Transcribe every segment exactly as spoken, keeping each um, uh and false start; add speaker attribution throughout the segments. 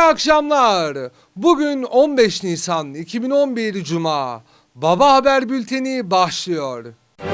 Speaker 1: akşamlar. Bugün on beş Nisan iki bin on bir Cuma. Baba Haber Bülteni başlıyor.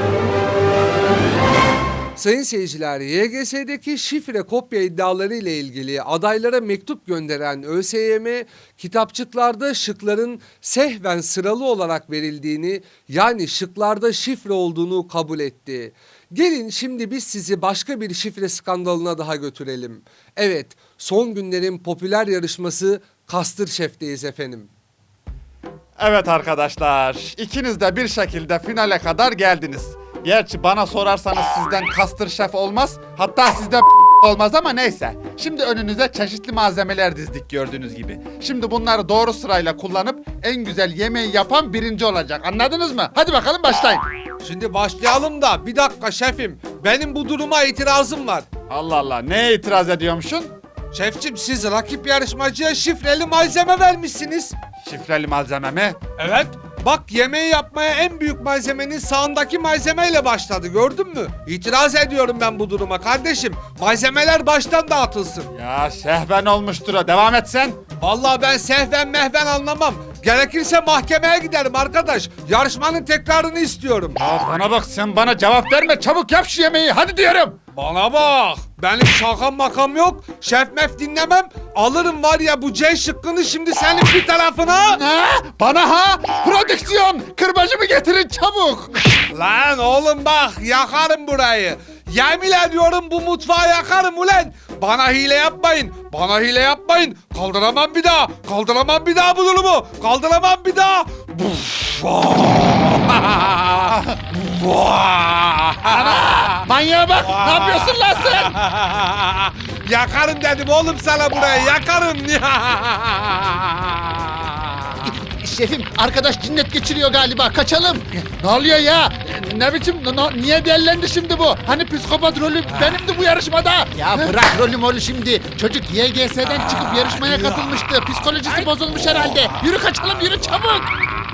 Speaker 1: Sayın seyirciler, Y G S'deki şifre kopya iddiaları ile ilgili adaylara mektup gönderen ÖSYM, kitapçıklarda şıkların sehven sıralı olarak verildiğini, yani şıklarda şifre olduğunu kabul etti. Gelin şimdi biz sizi başka bir şifre skandalına daha götürelim. Evet, son günlerin popüler yarışması Kastır Şef'teyiz efendim.
Speaker 2: Evet arkadaşlar, ikiniz de bir şekilde finale kadar geldiniz. Gerçi bana sorarsanız sizden Kastır Şef olmaz, hatta sizden olmaz ama neyse. Şimdi önünüze çeşitli malzemeler dizdik gördüğünüz gibi. Şimdi bunları doğru sırayla kullanıp en güzel yemeği yapan birinci olacak. Anladınız mı? Hadi bakalım başlayın.
Speaker 1: Şimdi başlayalım da bir dakika şefim, benim bu duruma itirazım var.
Speaker 2: Allah Allah, neye itiraz ediyormuşsun?
Speaker 1: Şefçim, siz rakip yarışmacıya şifreli malzeme vermişsiniz.
Speaker 2: Şifreli malzeme mi?
Speaker 1: Evet. Bak, yemeği yapmaya en büyük malzemenin sağındaki malzemeyle başladı, gördün mü? İtiraz ediyorum ben bu duruma kardeşim. Malzemeler baştan dağıtılsın.
Speaker 2: Ya şehven olmuştur o, devam et sen.
Speaker 1: Vallahi ben sehven mehven anlamam. Gerekirse mahkemeye giderim arkadaş. Yarışmanın tekrarını istiyorum.
Speaker 2: Ya bana bak, sen bana cevap verme, çabuk yap şu yemeği, hadi diyorum.
Speaker 1: Bana bak, benim şakam makam yok. Şef mef dinlemem. Alırım var ya bu C şıkkını şimdi senin bir tarafına.
Speaker 2: Ne? Bana ha? Prodüksiyon, kırbacımı getirin çabuk.
Speaker 1: Lan oğlum bak, yakarım burayı. Yemin ediyorum bu mutfağı yakarım ulan. Bana hile yapmayın. Bana hile yapmayın. Kaldıramam bir daha. Kaldıramam bir daha bu durumu. Kaldıramam bir daha.
Speaker 2: Ana, manyağa bak, ne yapıyorsun lan sen?
Speaker 1: Yakarım dedim oğlum sana burayı, yakarım.
Speaker 3: Şefim, arkadaş cinnet geçiriyor galiba, kaçalım.
Speaker 2: Ne oluyor ya? Ne biçim, ne- niye dellendi şimdi bu? Hani psikopat rolü benimdi bu yarışmada.
Speaker 3: Ya bırak rolü molü şimdi. Çocuk Y G S'den çıkıp yarışmaya katılmıştı. Psikolojisi bozulmuş herhalde. Yürü kaçalım, yürü çabuk.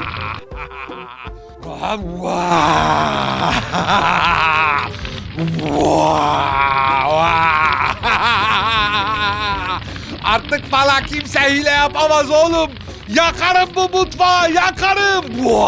Speaker 1: Artık bana kimse hile yapamaz oğlum. Yakarım bu mutfağı, yakarım.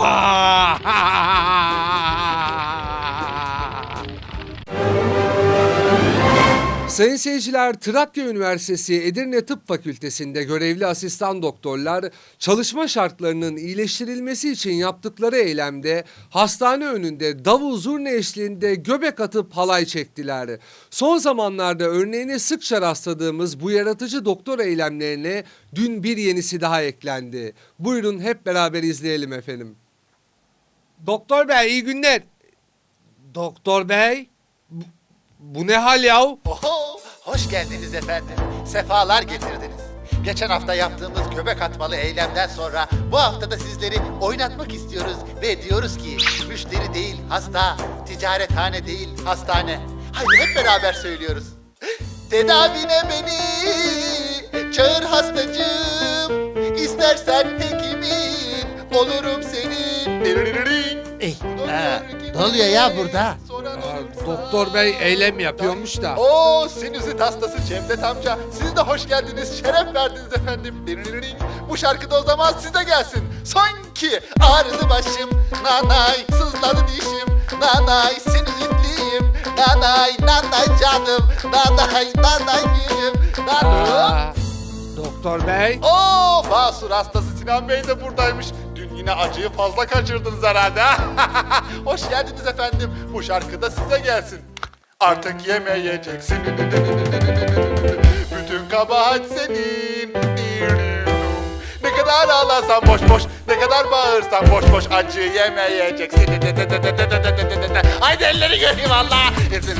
Speaker 1: Sayın seyirciler, Trakya Üniversitesi Edirne Tıp Fakültesi'nde görevli asistan doktorlar çalışma şartlarının iyileştirilmesi için yaptıkları eylemde hastane önünde davul zurna eşliğinde göbek atıp halay çektiler. Son zamanlarda örneğine sıkça rastladığımız bu yaratıcı doktor eylemlerine dün bir yenisi daha eklendi. Buyurun hep beraber izleyelim efendim. Doktor bey, iyi günler. Doktor bey, bu, bu ne hal yahu?
Speaker 3: Oho, hoş geldiniz efendim. Sefalar getirdiniz. Geçen hafta yaptığımız göbek atmalı eylemden sonra bu hafta da sizleri oynatmak istiyoruz ve diyoruz ki müşteri değil hasta, ticarethane değil hastane. Haydi hep beraber söylüyoruz. Tedavine beni çağır hastacığım, İstersen hekimin olurum senin. Ey, ha, ne oluyor ya burada?
Speaker 1: Aa, doktor bey eylem yapıyormuş da.
Speaker 3: Oo, sinüzit hastası Cevdet amca. Siz de hoş geldiniz, şeref verdiniz efendim. Bu şarkı da o zaman size gelsin. Sanki ağrıdı başım, nanay sızladı dişim, nanay sinüzitliyim, nanay nanay canım, nanay nanay gülüm, nanay.
Speaker 1: Aa, doktor bey.
Speaker 2: Oo, basur hastası Sinan Bey de buradaymış. Dün yine acıyı fazla kaçırdınız herhalde. Hoş geldiniz efendim. Bu şarkı da size gelsin. Artık yemeyeceksin. Bütün kabahat senin. Ne kadar ağlarsan boş boş, ne kadar bağırsan boş boş, acı yemeyeceksin. Haydi elleri göreyim Allah.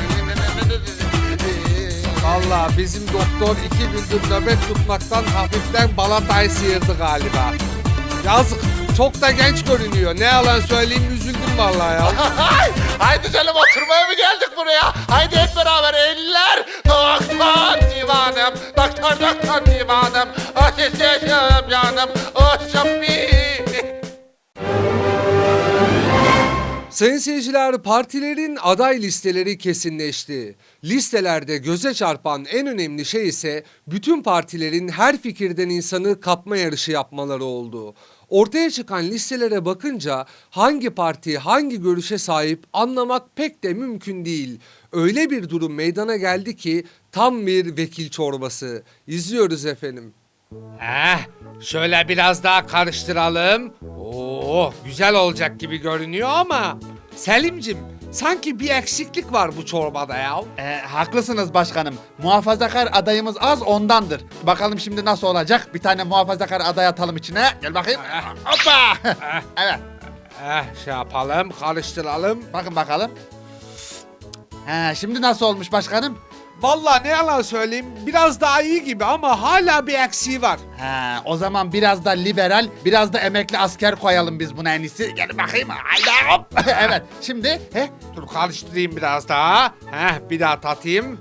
Speaker 1: Vallahi bizim doktor iki gündür nöbet tutmaktan hafiften balatayı sıyırdı galiba. Yazık, çok da genç görünüyor. Ne yalan söyleyeyim, üzüldüm vallahi ya.
Speaker 2: Haydi canım, oturmaya mı geldik buraya? Haydi hep beraber eller. Doktor divanım, doktor doktor divanım. Ateş yaşam canım, o şappi.
Speaker 1: Sayın seyirciler, partilerin aday listeleri kesinleşti. Listelerde göze çarpan en önemli şey ise bütün partilerin her fikirden insanı kapma yarışı yapmaları oldu. Ortaya çıkan listelere bakınca hangi parti hangi görüşe sahip anlamak pek de mümkün değil. Öyle bir durum meydana geldi ki tam bir vekil çorbası. İzliyoruz efendim.
Speaker 4: Heh, şöyle biraz daha karıştıralım. Oo, güzel olacak gibi görünüyor ama Selimcim, sanki bir eksiklik var bu çorbada ya.
Speaker 2: Ee, haklısınız başkanım. Muhafazakar adayımız az ondandır. Bakalım şimdi nasıl olacak? Bir tane muhafazakar aday atalım içine. Gel bakayım. Hoppa. Evet.
Speaker 4: Eh, şey yapalım, karıştıralım.
Speaker 2: Bakın bakalım. He, şimdi nasıl olmuş başkanım?
Speaker 4: Vallahi ne yalan söyleyeyim, biraz daha iyi gibi ama hala bir eksiği var.
Speaker 2: He, o zaman biraz da liberal, biraz da emekli asker koyalım biz buna en iyisi. Gel bakayım. Haydi hop. Evet. Şimdi he,
Speaker 4: Dur karıştırayım biraz daha. Heh, bir daha tatayım.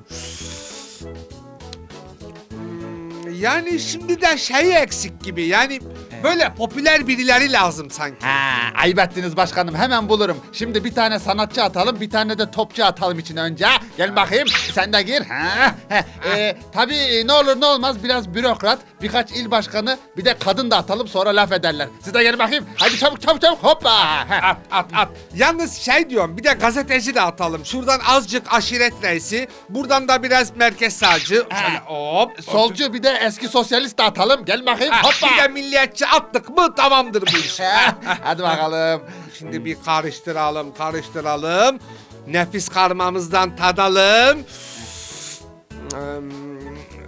Speaker 4: Hmm, Yani şimdi de şey eksik gibi, yani böyle popüler birileri lazım sanki.
Speaker 2: Ha, ayıp ettiniz başkanım. Hemen bulurum. Şimdi bir tane sanatçı atalım, bir tane de topçu atalım içine önce. Gel bakayım. Sen de gir. Ha. he. Ee, tabii ne olur ne olmaz biraz bürokrat, birkaç il başkanı, bir de kadın da atalım sonra laf ederler. Siz de gelin bakayım. Hadi çabuk çabuk çabuk. Hoppa. He.
Speaker 4: At at at. Yalnız şey diyorum, bir de gazeteci de atalım. Şuradan azıcık aşiret reisi, buradan da biraz merkez sağcı. Şöyle hop.
Speaker 2: Solcu bir de eski sosyalist de atalım. Gel bakayım.
Speaker 4: Heh,
Speaker 2: Hoppa.
Speaker 4: bir de milliyetçi attık mı tamamdır bu iş.
Speaker 2: He. Hadi bakalım.
Speaker 4: Şimdi bir karıştıralım, karıştıralım. Nefis karmamızdan tadalım. Hmm.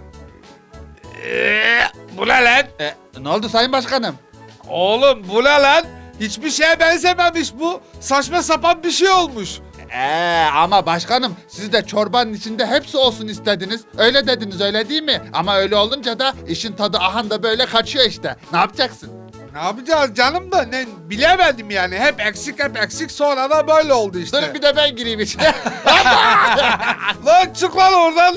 Speaker 4: Ee, bu ne lan?
Speaker 2: Ee, ne oldu sayın başkanım?
Speaker 4: Oğlum bu ne lan? Hiçbir şeye benzememiş bu. Saçma sapan bir şey olmuş.
Speaker 2: Ee, ama başkanım siz de çorbanın içinde hepsi olsun istediniz. Öyle dediniz öyle değil mi? Ama öyle olunca da işin tadı ahan da böyle kaçıyor işte. Ne yapacaksın?
Speaker 4: Ne yapacağız canım da ne bilemedim yani. Hep eksik hep eksik, sonra da böyle oldu işte.
Speaker 2: Dur bir de ben gireyim içine.
Speaker 4: Lan çık lan oradan.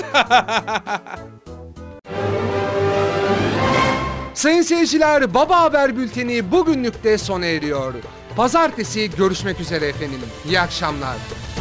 Speaker 1: Sayın seyirciler, Baba Haber Bülteni bugünlük de sona eriyor. Pazartesi görüşmek üzere efendim. İyi akşamlar.